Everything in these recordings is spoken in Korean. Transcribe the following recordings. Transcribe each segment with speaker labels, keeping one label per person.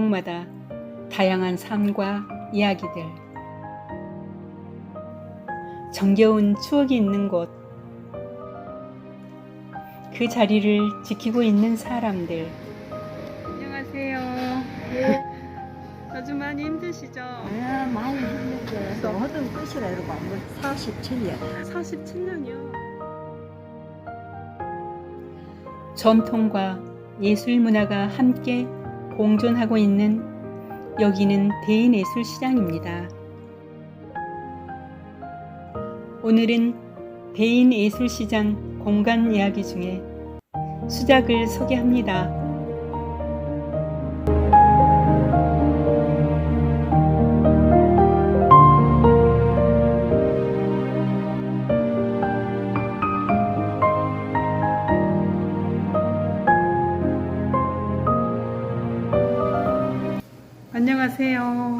Speaker 1: 골목마다 다양한 삶과 이야기들, 정겨운 추억이 있는 곳, 그 자리를 지키고 있는 사람들. 안녕하세요. 요즘 많이 힘드시죠?
Speaker 2: 많이 힘들게 또 하던 끝이라 이러고 안 걸 47년.
Speaker 1: 47년이요. 전통과 예술 문화가 함께 공존하고 있는 여기는 대인예술시장입니다. 오늘은 대인예술시장 공간 이야기 중에 수작을 소개합니다. 안녕하세요.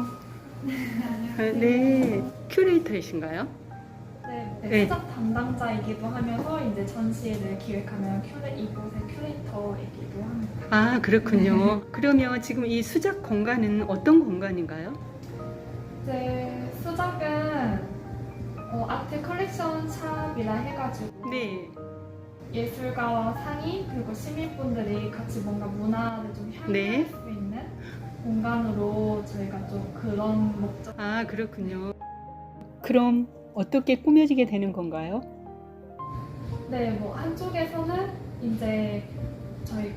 Speaker 1: 네, 큐레이터이신가요?
Speaker 3: 네, 수작 담당자이기도 하면서 이제 전시회를 기획하는 이곳의 큐레이터이기도 합니다.
Speaker 1: 아, 그렇군요. 그러면 지금 이 수작 공간은 어떤 공간인가요?
Speaker 3: 이제 수작은 아트 컬렉션 샵이라 해가지고
Speaker 1: 네.
Speaker 3: 예술가와 상인 그리고 시민분들이 같이 뭔가 문화를 좀 향유할
Speaker 1: 네.
Speaker 3: 수 있는 공간으로 저희가 좀 그런 목적.
Speaker 1: 아, 그렇군요. 그럼 어떻게 꾸며지게 되는 건가요?
Speaker 3: 네, 뭐 한쪽에서는 이제 저희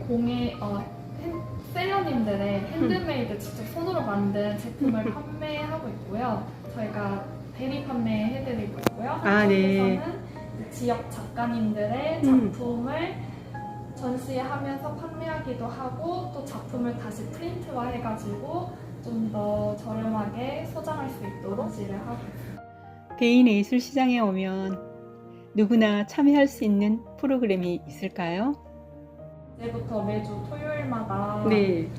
Speaker 3: 셀러님들의 핸드메이드 직접 손으로 만든 제품을 판매하고 있고요. 저희가 대리 판매해드리고 있고요.
Speaker 1: 아, 네.
Speaker 3: 한쪽에서는 지역 작가님들의 작품을 전시하면서 판매하기도 하고 또 작품을 다시 프린트화 해가지고 좀 더 저렴하게 소장할 수 있도록 전시를 하고 있습니다.
Speaker 1: 대인예술시장에 오면 누구나 참여할 수 있는 프로그램이 있을까요?
Speaker 3: 이제부터 매주 토요일마다
Speaker 1: 네.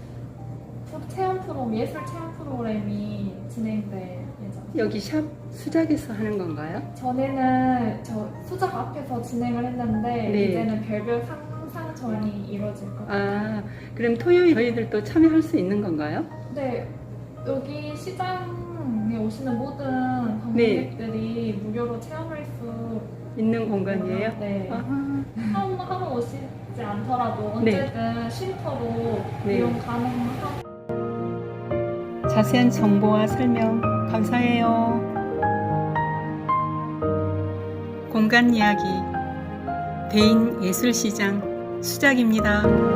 Speaker 3: 예술 체험 프로그램이 진행될 예정입니다.
Speaker 1: 여기 샵 수작에서 하는 건가요?
Speaker 3: 전에는 저 수작 앞에서 진행을 했는데
Speaker 1: 네.
Speaker 3: 이제는 별별 상상전이 이루어질 것 같아요.
Speaker 1: 아, 그럼 토요일 저희들도 참여할 수 있는 건가요?
Speaker 3: 네, 여기 시장에 오시는 모든 방문객들이 무료로 체험할 수
Speaker 1: 있는 공간이에요?
Speaker 3: 네.
Speaker 1: 아,
Speaker 3: 하러 오시지 않더라도 언제든 쉼터로
Speaker 1: 네.
Speaker 3: 이용 가능하고.
Speaker 1: 자세한 정보와 설명 감사해요. 공간 이야기 대인예술시장 수작입니다.